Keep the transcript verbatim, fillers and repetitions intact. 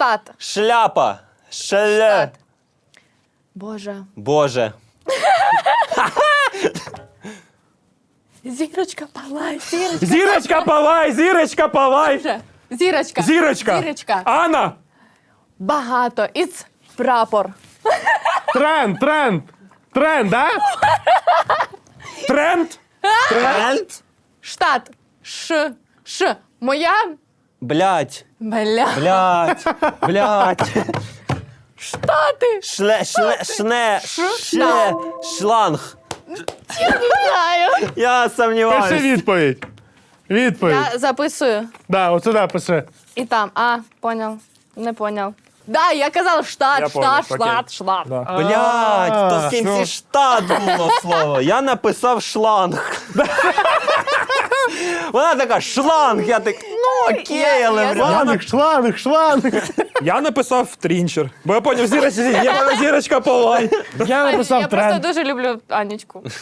Штат. Шляпа. Шеле. Штат. Боже. Боже. Зірочка, палай, зірочка. Зірочка, палай, зірочка, палай. Боже. Зірочка. Зірочка. Зірочка. Анна. Багато. Іц прапор. Тренд, тренд. Тренд, да? Тренд. Тренд. Штат. Ш. Ш. Моя. Блять. Бля. Блять. Блять. Штати. Шле, шле, шне, шле, шланг. Не знаю. Я Пиши сомневаюсь. відповідь. Відповідь. Я записую. Да, от сюди пиши. І там. А, понял. Не понял. Да, я казала штат, Я штат, понял, штат, окей. штат. Да. Блять, то в А, кінці ну. штат було слово. Я написав шланг. Вона така, шланг. Я так, ну окей, Я- але я вряд. Шланг, шланг, шланг. Я написав трінчер, бо я поняв, зірочка, я поняв, зірочка, палай. Я написав Я просто тренд. дуже люблю Анечку.